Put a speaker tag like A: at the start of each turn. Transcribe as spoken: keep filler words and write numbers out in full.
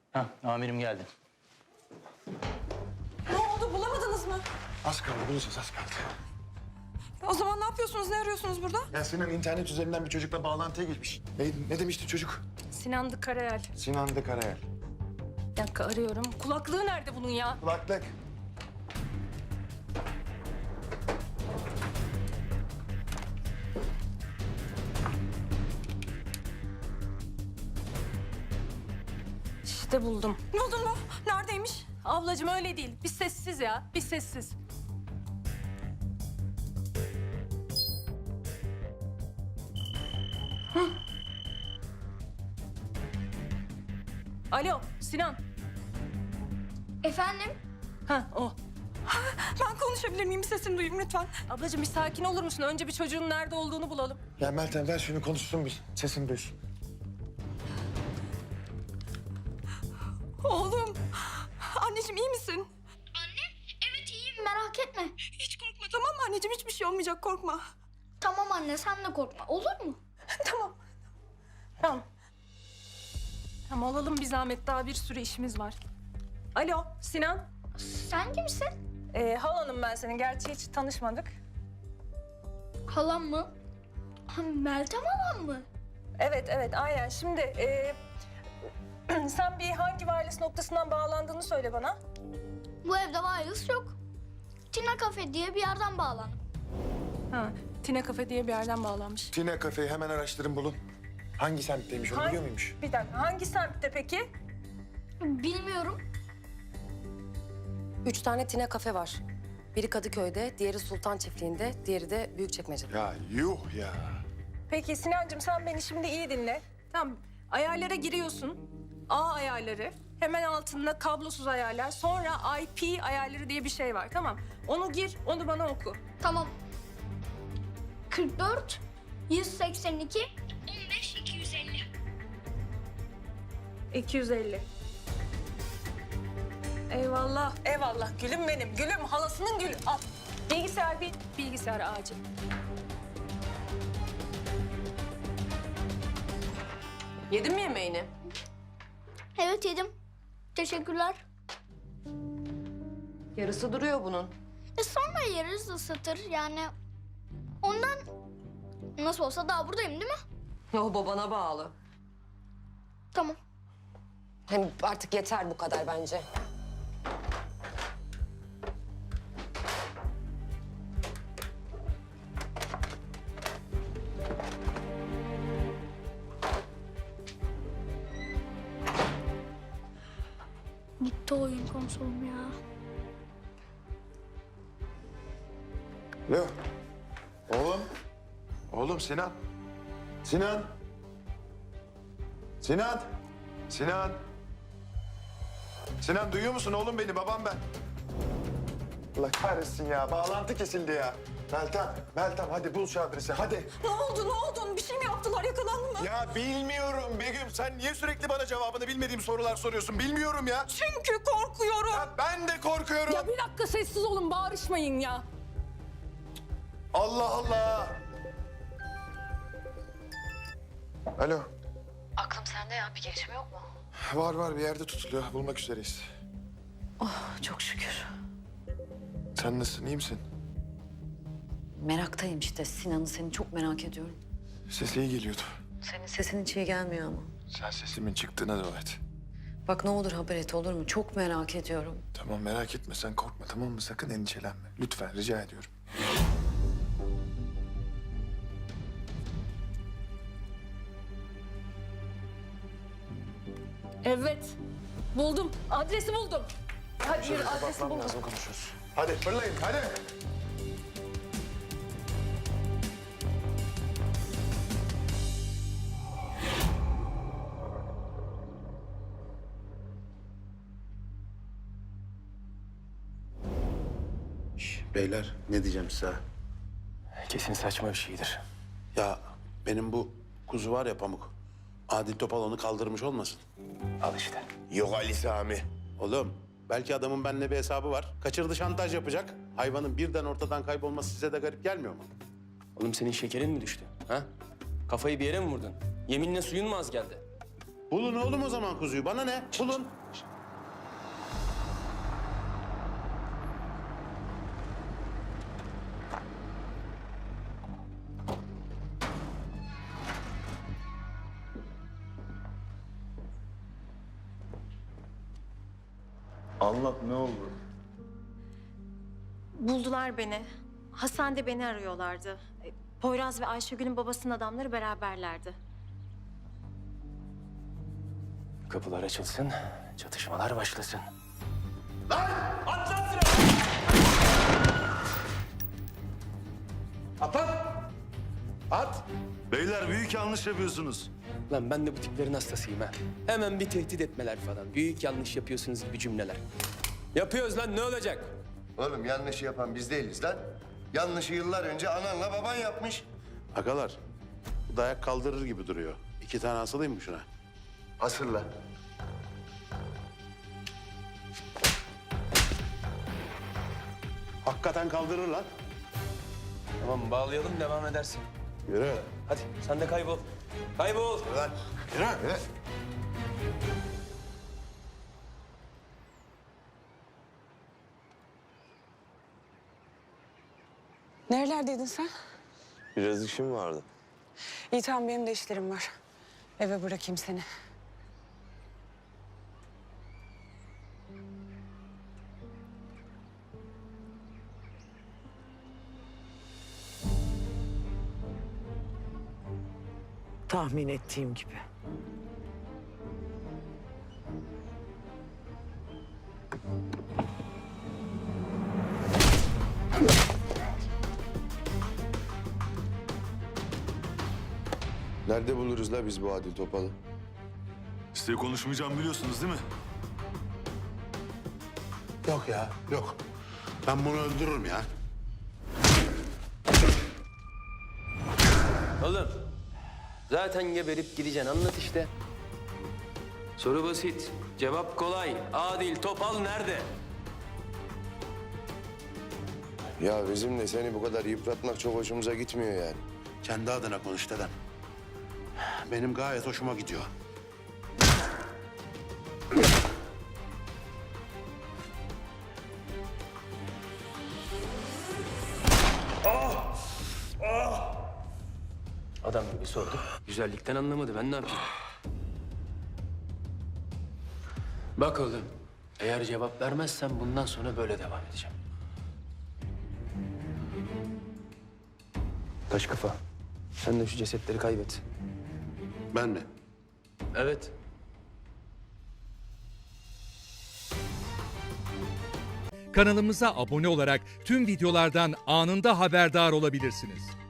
A: Hah, amirim geldi.
B: Ne oldu, bulamadınız mı?
C: Az kaldı, bulacağız az kaldı.
B: O zaman ne yapıyorsunuz, ne arıyorsunuz burada?
C: Ya Sinan internet üzerinden bir çocukla bağlantıya geçmiş. Ne, ne demişti çocuk?
B: Sinan'dı Karayel.
C: Sinan de Karayel.
B: Bir dakika arıyorum. Kulaklığı nerede bunun ya?
C: Kulaklık.
B: İşte buldum. Ne oldu mu? Neredeymiş? Ablacığım öyle değil. Bir sessiz ya, bir sessiz. Hı. Alo, Sinan.
D: Efendim?
B: Ha, o. Ben konuşabilir miyim? Sesini duyayım lütfen. Ablacığım bir sakin olur musun? Önce bir çocuğun nerede olduğunu bulalım.
C: Ya Meltem ver şunu konuşsun bir. Sesini duysun.
B: Oğlum. Anneciğim iyi misin?
D: Anne, evet iyiyim merak etme.
B: Hiç korkma tamam mı anneciğim? Hiçbir şey olmayacak korkma.
D: Tamam anne sen de korkma olur mu?
B: Tamam. Tamam. Tamam alalım bir zahmet. Daha bir sürü işimiz var. Alo Sinan.
D: Sen kimsin?
B: Ee, halanım ben senin. Gerçi hiç tanışmadık.
D: Halam mı? Ha, Meltem halam mı?
B: Evet evet aynen. Şimdi ee, sen bir hangi wireless noktasından bağlandığını söyle bana.
D: Bu evde wireless yok. Tina Cafe diye bir yerden bağlandım.
B: Ha, Tine Cafe diye bir yerden bağlanmış.
C: Tina kafeyi hemen araştırın bulun. Hangi semtteymiş onu
B: Hangi-
C: biliyor muymuş?
B: Bir dakika hangi semtte peki?
D: Bilmiyorum.
E: Üç tane Tine kafe var. Biri Kadıköy'de, diğeri Sultan Çiftliği'nde, diğeri de Büyükçekmece'de.
C: Ya yuh ya.
B: Peki Sinancığım sen beni şimdi iyi dinle. Tamam ayarlara giriyorsun. A ayarları. Hemen altında kablosuz ayarlar. Sonra I P ayarları diye bir şey var tamam. Onu gir, onu bana oku.
D: Tamam. kırk dört, yüz seksen iki, on beş, iki yüz elli.
B: iki yüz elli. Eyvallah, eyvallah. Gülüm benim, gülüm. Halasının gülü. Al. Bilgisayar bir, bilgisayar acil.
E: Yedin mi yemeğini?
D: Evet yedim. Teşekkürler.
E: Yarısı duruyor bunun.
D: E sonra yeriz ısıtır yani. Ondan nasıl olsa daha buradayım değil mi?
E: O babana bağlı.
D: Tamam.
E: Hem artık yeter bu kadar bence.
D: Gitti oyun konsolum ya.
C: Alo. Oğlum. Oğlum Sinan. Sinan. Sinan. Sinan. Sinan duyuyor musun oğlum beni? Babam ben. Allah kahretsin ya. Bağlantı kesildi ya. Meltem, Meltem hadi bul şu adresi hadi.
B: Ne oldu, ne oldu? Bir şey mi yaptılar, yakalandı mı?
C: Ya bilmiyorum Begüm. Sen niye sürekli bana cevabını bilmediğim sorular soruyorsun? Bilmiyorum ya.
B: Çünkü korkuyorum.
C: Ya ben de korkuyorum.
B: Ya bir dakika sessiz olun, bağırışmayın ya.
C: Allah Allah. Alo.
E: Aklım sende ya, bir gelişme yok mu?
C: Var var bir yerde tutuluyor. Bulmak üzereyiz.
E: Çok şükür.
C: Sen nasılsın? İyi misin?
E: Meraktayım işte. Sinan'ı seni çok merak ediyorum.
C: Sesi iyi geliyordu.
E: Senin sesin hiç iyi gelmiyor ama.
C: Sen sesimin çıktığına dua et.
E: Bak ne olur haber et olur mu? Çok merak ediyorum.
C: Tamam merak etme sen korkma tamam mı? Sakın endişelenme. Lütfen rica ediyorum.
B: Evet, buldum. Adresi buldum. Hadi yürü, adresi
C: Kapatmam
B: buldum.
C: lazım konuşuruz. Hadi fırlayın hadi.
F: Beyler ne diyeceğim size?
A: Kesin saçma bir şeydir.
F: Ya benim bu kuzu var ya Pamuk. Adil Topal onu kaldırmış olmasın?
A: Al işte.
F: Yok Ali Sami. Oğlum belki adamın benimle bir hesabı var. Kaçırdı şantaj yapacak. Hayvanın birden ortadan kaybolması size de garip gelmiyor mu?
G: Oğlum senin şekerin mi düştü? Ha? Kafayı bir yere mi vurdun? Yeminle suyun mu az geldi?
F: Bulun oğlum o zaman kuzuyu. Bana ne? Bulun.
C: Anlat, ne oldu?
H: Buldular beni. Hastanede beni arıyorlardı. E, Poyraz ve Ayşegül'ün babasının adamları beraberlerdi.
A: Kapılar açılsın, çatışmalar başlasın.
F: At lan! At!
C: Beyler büyük yanlış yapıyorsunuz.
G: Lan ben de bu tiplerin hastasıyım ha. Hemen bir tehdit etmeler falan. Büyük yanlış yapıyorsunuz gibi cümleler. Yapıyoruz lan, ne olacak?
I: Oğlum yanlışı yapan biz değiliz lan. Yanlışı yıllar önce ananla baban yapmış.
F: Agalar, bu dayak kaldırır gibi duruyor. İki tane asılayım mı şuna?
I: Hasırla.
F: Hakikaten kaldırır lan.
G: Tamam, bağlayalım, devam edersin.
F: Yürü.
G: Hadi, sen de kaybol. Kaybol!
F: Lan. Yürü.
I: Yürü.
J: Nerelerdeydin sen?
K: Biraz işim vardı.
J: İyi tamam benim de işlerim var. Eve bırakayım seni. Tahmin ettiğim gibi.
I: Nerede buluruz la biz bu Adil Topal'ı?
C: Size konuşmayacağım biliyorsunuz değil mi?
F: Yok ya, yok. Ben bunu öldürürüm ya.
G: Oğlum, zaten geberip gideceksin, anlat işte. Soru basit, cevap kolay. Adil Topal nerede?
I: Ya bizim de seni bu kadar yıpratmak çok hoşumuza gitmiyor yani.
F: Kendi adına konuş dedem. Benim gayet hoşuma gidiyor.
G: Adam gibi sordu. Güzellikten anlamadı, ben ne yapayım? Bak oğlum, eğer cevap vermezsen bundan sonra böyle devam edeceğim. Taş kafa, sen de şu cesetleri kaybet.
F: Ben mi?
G: Evet.
L: Kanalımıza abone olarak tüm videolardan anında haberdar olabilirsiniz.